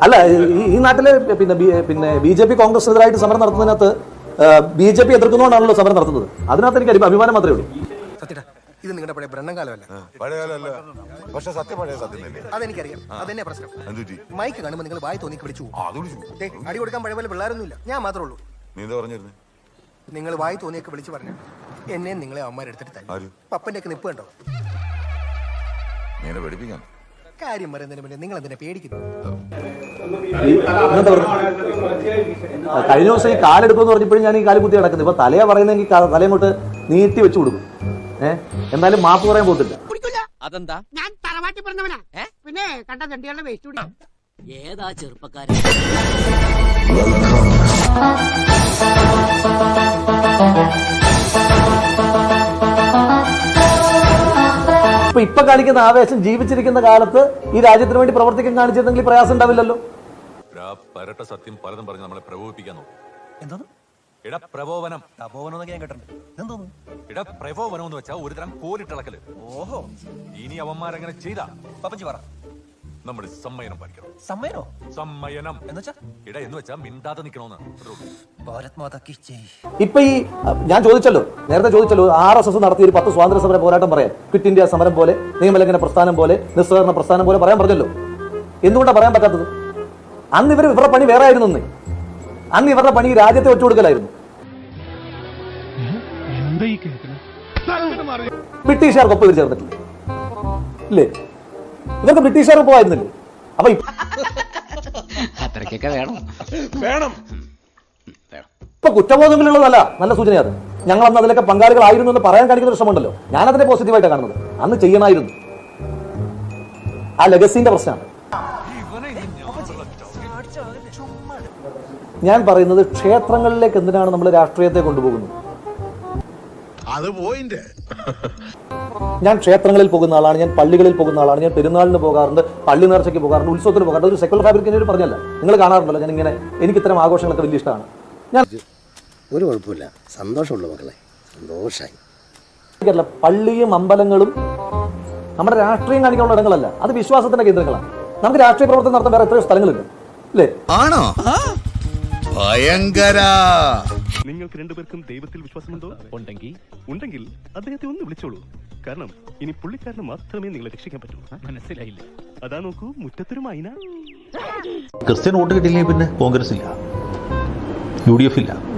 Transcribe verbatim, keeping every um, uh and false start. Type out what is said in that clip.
അല്ല ഈ നാട്ടിലെ പിന്നെ പിന്നെ ബി ജെ പി കോൺഗ്രസിനെതിരായിട്ട് സമരം നടത്തുന്നതിനകത്ത് ബി ജെ പി എതിർക്കുന്നതുകൊണ്ടാണല്ലോ സമരം നടത്തുന്നത്. അതിനകത്ത് എനിക്ക് അഭിമാനം മാത്രമേ ഉള്ളൂ. ഇത് നിങ്ങളുടെ പഴയ ബ്രണ്ണൻകാലമല്ല, പഴയകാലമല്ല, പക്ഷെ സത്യം പഴയ സത്യം തന്നെ. അതെനിക്കറിയാം. അതെന്നെ പ്രശ്നം. മൈക്ക് കാണുമ്പോൾ നിങ്ങൾ വായി തോന്നി വിളിച്ചു അടി കൊടുക്കാൻ പഴയ പോലെ പിള്ളേരൊന്നുമില്ല, ഞാൻ മാത്രമേ ഉള്ളൂ. നീ എന്താ പറഞ്ഞിരുന്നേ? നിങ്ങൾ വായി തോന്നിയൊക്കെ വിളിച്ചു പറഞ്ഞു എന്നെ നിങ്ങളെ അമ്മമാരെടുത്തിട്ട് തന്നെ പപ്പന്റെ ഒക്കെ നിപ്പ് കണ്ടോ? നീനെ പഠിപ്പിക്കാം. കാര്യം പറയുന്നതിന് മുന്നേ നിങ്ങൾ എന്തിനാ പേടിക്കുന്നു? കഴിഞ്ഞ ദിവസം ഈ കാലെടുക്കുമെന്ന് പറഞ്ഞപ്പോഴും ഞാൻ ഈ കാല് കുത്തി കിടക്കുന്നത്. ഇപ്പൊ തലയാ പറയുന്നെങ്കിൽ തലയങ്ങോട്ട് നീട്ടി വെച്ചു കൊടുക്കും. ഏഹ് എന്നാലും മാപ്പ് പറയാൻ പോത്തില്ല. അതെന്താ? ഞാൻ തറവാട്ടി പറഞ്ഞവനാ. പിന്നെ കണ്ട തണ്ടികളുടെ വേസ്റ്റ് കൂടി. ഏതാ ചെറുപ്പക്കാരൻ? ഇപ്പൊ ഇപ്പൊ കാണിക്കുന്ന ആവേശം ജീവിച്ചിരിക്കുന്ന കാലത്ത് ഈ രാജ്യത്തിന് വേണ്ടി പ്രവർത്തിക്കാൻ കാണിച്ചിരുന്നെങ്കിൽ പ്രയാസം ഉണ്ടാവില്ലല്ലോ. പരട്ട സത്യം പലതും പറഞ്ഞ് നമ്മളെ പ്രകോപിപ്പിക്കാൻ നോക്കും. എന്തോന്ന്? ഇട പ്രകോപനം. തപോവനം ഞാൻ കേട്ടിട്ടുണ്ട്. എന്തോന്നു? ഇട പ്രകോപനം എന്ന് വെച്ചാൽ ഒരുതരം കോലിട്ടിളക്കല്. ഓഹോ, ഇനി അവന്മാരങ്ങനെ ചെയ്താ പപ്പച്ചി പറ. നമ്മൾ സമ്മയനം പാലിക്കണം. സമ്മയനോ? സമ്മയനം എന്നുവെച്ചാ ഇട എന്ന് വെച്ചാൽ മിണ്ടാതെ നിക്കണോന്ന്. ഭാരത് മാതാ കി ജയ്. ഇപ്പൊ ഈ ഞാൻ ചോദിച്ചല്ലോ, നേരത്തെ ചോദിച്ചല്ലോ, ആർ എസ് എസ് നടത്തിയ ഒരു പത്ത് സ്വാതന്ത്ര്യ സമര പോരാട്ടം പറയാൻ, ക്വിറ്റ് ഇന്ത്യ സമരം പോലെ, നിയമലംഘന പ്രസ്ഥാനം പോലെ, നിസ്സഹകരണ പ്രസ്ഥാനം പോലെ പറയാൻ പറഞ്ഞല്ലോ. എന്തുകൊണ്ടാണ് പറയാൻ പറ്റാത്തത്? അന്ന് ഇവർ ഇവരുടെ പണി വേറെ ആയിരുന്നു. അന്ന് ഇവരുടെ പണി രാജ്യത്തെ ഒറ്റുകൊടുക്കലായിരുന്നു. ബ്രിട്ടീഷുകാർക്കൊപ്പം ഇവർ ചേർന്നിട്ടില്ല ഇല്ലേ? ഇവർക്ക് ബ്രിട്ടീഷുകാർക്ക് പോയിരുന്നില്ലേ? അപ്പൊ അത്രയ്ക്കൊക്കെ വേണം വേണം ഇപ്പൊ കുറ്റബോധങ്ങളുള്ളതല്ല, നല്ല സൂചനയാണ്. ഞങ്ങൾ അന്ന് അതിലൊക്കെ പങ്കാളികളായിരുന്നു എന്ന് പറയാൻ കാണിക്കുന്ന ഒരു ശ്രമമുണ്ടല്ലോ. ഞാനതിനെ പോസിറ്റീവായിട്ടാണ് കാണുന്നത്. അന്ന് ചെയ്യണമായിരുന്നു. ആ ലെഗസിന്റെ പ്രശ്നമാണ് ഞാൻ പറയുന്നത്. ക്ഷേത്രങ്ങളിലേക്ക് എന്തിനാണ് നമ്മൾ രാഷ്ട്രീയത്തെ കൊണ്ടുപോകുന്നത്? ഞാൻ ക്ഷേത്രങ്ങളിൽ പോകുന്ന ആളാണ്, ഞാൻ പള്ളികളിൽ പോകുന്ന ആളാണ്, ഞാൻ പെരുന്നാളിന് പോകാറുണ്ട്, പള്ളി നേർച്ചയ്ക്ക് പോകാറുണ്ട്, ഉത്സവത്തിന് പോകാറുണ്ട്. ഒരു സെക്കുലർ ഫാബ്രിക്കിന് പറഞ്ഞല്ല, നിങ്ങൾ കാണാറുണ്ടല്ലോ. ഞാൻ ഇങ്ങനെ എനിക്ക് ഇത്തരം ആഘോഷങ്ങളൊക്കെ വലിയ ഇഷ്ടമാണ്. ഞാൻ ഒരു കുഴപ്പമില്ല, സന്തോഷമുള്ള മക്കളെ, സന്തോഷമായി. പള്ളിയും അമ്പലങ്ങളും നമ്മുടെ രാഷ്ട്രീയം കാണിക്കാനുള്ള ഇടങ്ങളല്ല, അത് വിശ്വാസത്തിന്റെ കേന്ദ്രങ്ങളാണ്. നമുക്ക് രാഷ്ട്രീയ പ്രവർത്തനം നടത്താൻ വേറെ എത്രയോ സ്ഥലങ്ങളുണ്ട് അല്ലേ? ആണോ? ഭയങ്കര. നിങ്ങൾക്ക് രണ്ടുപേർക്കും ദൈവത്തിൽ വിശ്വാസമുണ്ടോ? ഉണ്ടെങ്കിൽ ഉണ്ടെങ്കിൽ അദ്ദേഹത്തെ ഒന്ന് വിളിച്ചോളൂ. കാരണം ഇനി പുള്ളിക്കാരന് മാത്രമേ നിങ്ങളെ രക്ഷിക്കാൻ പറ്റൂ. മനസ്സിലായില്ല? അതാ നോക്കൂ, മുറ്റത്തൊരു മൈന. ക്രിസ്ത്യൻ വോട്ട് കിട്ടിയില്ലെങ്കിൽ പിന്നെ കോൺഗ്രസ് ഇല്ല, യു ഡി എഫ് ഇല്ല.